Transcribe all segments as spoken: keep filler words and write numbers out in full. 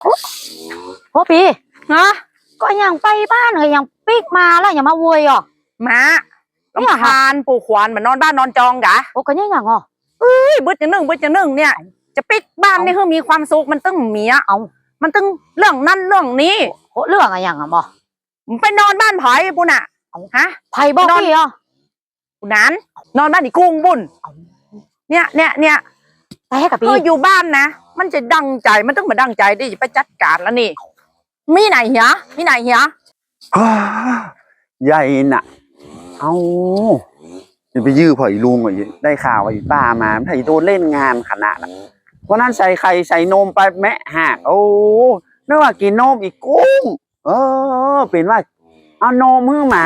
โอ้ปีฮะก็ยังไปบ้านเลยยังปิกมาแล้วยังมาโวยอ่ะมาลำคาญปู่ขวานเหมือนนอนบ้านนอนจองกะโอ้ก็ยังยังอ่ะเอ้ยบึ้ดอย่างหนึ่งบึ้ดอย่างหนึ่งเนี่ยจะปิกบ้านนี่คือมีความสุขมันต้องมีอ่ะเอามันต้องเรื่องนั่นเรื่องนี้โอ้เรื่องอะไรอย่างอ่ะบ่ไปนอนบ้านไผ่ปุ่นอ่ะฮะไผ่บอกพี่อ่ะปุ่นนั้นนอนบ้านอีกุ้งบุญเนี่ยเนี่ยเนี่ยไปให้กับพี่อยู่บ้านนะมันจะดังใจมันต้องมาดังใจดิไปจัดการแล้วนี่มีไหนเหรอมีไหนเหรอใหญ่น่ะเอาจะไปยื้อพ่ออีลุงอ่ะได้ข่าวว่าอีป้ามาไถ่โดนเล่นงานขนาดน่ะเพราะนั้นใส่ไข่ใส่นมไปแมะหักโอ้ไม่ว่ากินนมอีกกุ้งเออเป็นว่าเอานมมือหมา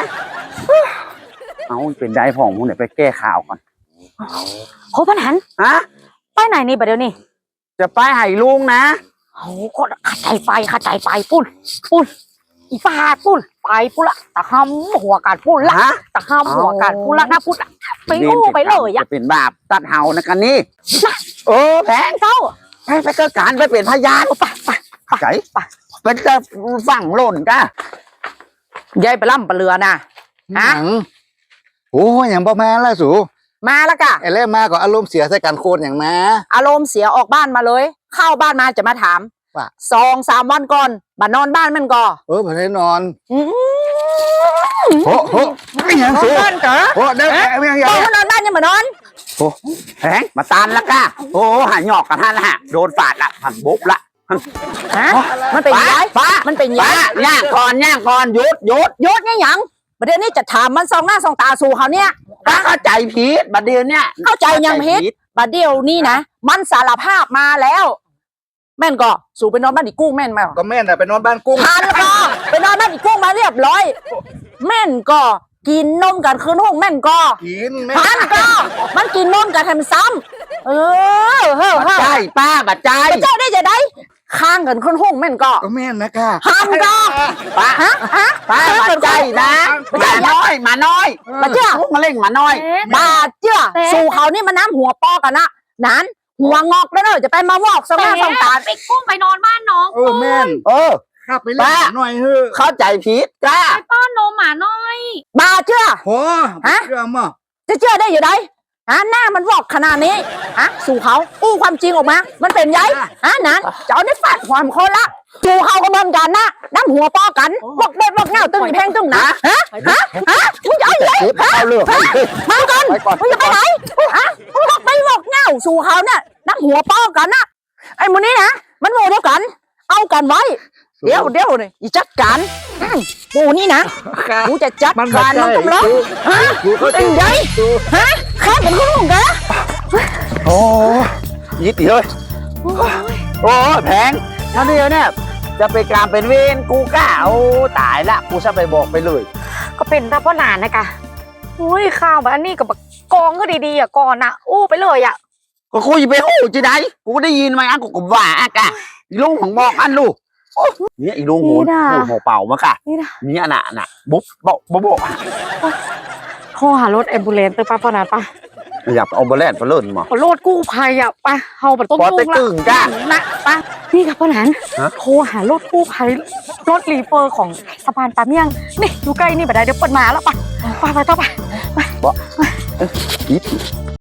เอาเป็นได้พ่อมึงเดี๋ยวไปแก้ข่าวก่อนโหพันหันฮะไปไหนนี่ประเดี๋ยวนี้จะไปไห่ลุงนะโอ้ก็ขัดใจไปขัดใจไปปุ้นปุ้นอีป้าปุ้นไปปุ้นละตะห้ำหัวการปุ้นละตะห้ำหัวการปุ้นละนะปุ้นละไปงูไปเลยอะจะเป็นบาปตัดเห่านะกันนี่โอ้แพงเจ้าไปไปเกิดการไปเป็นพยานไปไปไก่เป็นจะฝั่งหล่นก้ยายไปล่ำปลาเรือน่ะฮะโอ้อย่างประมาณละสูมาแล้วกะไอ้เล่มาก็อารมณ์เสียใส่กันโคนอย่างมาอารมณ์เสียออกบ้านมาเลยเข้าบ้านมาจะมาถามว่าสองสามวันก่อนบ้านนอนบ้านมันก่อเออผมได้นอนโอ้โหไม่ยังสูบ้านเก๋อโอ้เด้อไม่ยังยังนอนบ้านยังมานอนโอ้แพงมาตานละก้าโอ้หายหยอกกันท่านละฮะโดนฝาดละผันบุบละฮะมันเป็นย้ายป้ามันเป็นย้ายย่างก่อนย่างก่อนหยุดหยุดหยุดเนี่ยยังประเดี๋ยวนี้จะถามมันซองหน้าซองตาสู่เขาเนี่ยเข้าใจผิดบัดเดียวเนี่ยเข้าใจยังผิดบัดเดียวนี่นะมันสารภาพมาแล้วแม่นก็สู่ไปนอนบ้านอีกุ้งแม่นไหมก็แม่นแต่ไปนอนบ้านกุ้งทันก็ไปนอนบ้านอีกุ้งมาเรียบร้อยแม่นก็กินนมกันคืนห้องแม่นก็กินทันก็มันกินนมกันทำซ้ำเออเฮ้อใช่ป้าบัดใจเจ้าได้จะได้ข้างกันคืนห้องแม่นก็ก็แม่นนะค่ะทันก็ป้าฮะฮะป้าบัดใจนะมาน้อยมาน้อยมาเจ้ามาเล่งมาน้อยบาดเจ้าสู่เขานี่มันน้ำหัวปอกันนะนั้นหัวงอกแล้วเนอะจะไปมาวอกสองหน้าสองตาไปกุ้งไปนอนบ้านน้องเออแม่นเออข้าไปเล่นหน่อยเฮ้อเข้าใจผิดกล้าไปป้อนนมหมาน้อยบาเชื่อโหฮะเชื่อมั้จะเชื่อได้อยู่ไหนฮะหน้ามันวอกขนาดนี้ฮะสู่เขาอู้ความจริงออกมามันเป็นไงฮะนั้นเจ้าได้ฟาดความคนละสู่เขาก็เหมือนกันนะน้ำหัวปอกันบอกเด็ดบอกเงาตึงอีแพงตึงนะฮะฮะฮะมึงจะเอาอย่างไรฮะมาก่อนมึงจะไปไหนฮะมึงบอกไปบอกเงาสู่เขาเนี่ยน้ำหัวปอกันนะไอ้มูนี้นะมันโมเดียวกันเอากันไว้เดี๋ยวเดี๋ยวนี่อีจัดการปูนี่นะกูจะจัดการมันกำลังฮะเป็นไงฮะข้าเป็นคนของแกโอ้ยิดเลยโอ้แพงนั่นเดียวเนี่ยจะไปการเป็นเวรกูกล้าโอ้ตายละกูจะไปบอกไปเลยก็เป็นตาพ่อนานนะกะอุ้ยข้าวแบบอันนี้กับกองก็ดีๆอ่ะก่อนอ่ะอู้ไปเลยอ่ะก็คุยไปอู้จีได้กูได้ยินไหมอ่ะกูก็ว่าอ่ะกะลุงของบอกอันลูกเนี่ยอีลุงหูหูเป่ามาค่ะนี่อันน่ะน่ะบุ๊บบอกบุ๊บบอกโทรหารถแอมบูเลนซ์ไปป้าพ่อนานป้าอยากเอาแบลนไปเล่นมั้งรถกู้ภัยอ่ะป้าเฮาแบบต้นตุ้งละจ้านะป้านี่ครับพ่อหนานโทรหารถกู้ภัยรถรีเฟอร์ของสะพานปาเมี่ยงนี่อยู่ใกล้นี่บัดใดเดี๋ยวเปิดมาแล้วป้าป้าไปต่อไปไป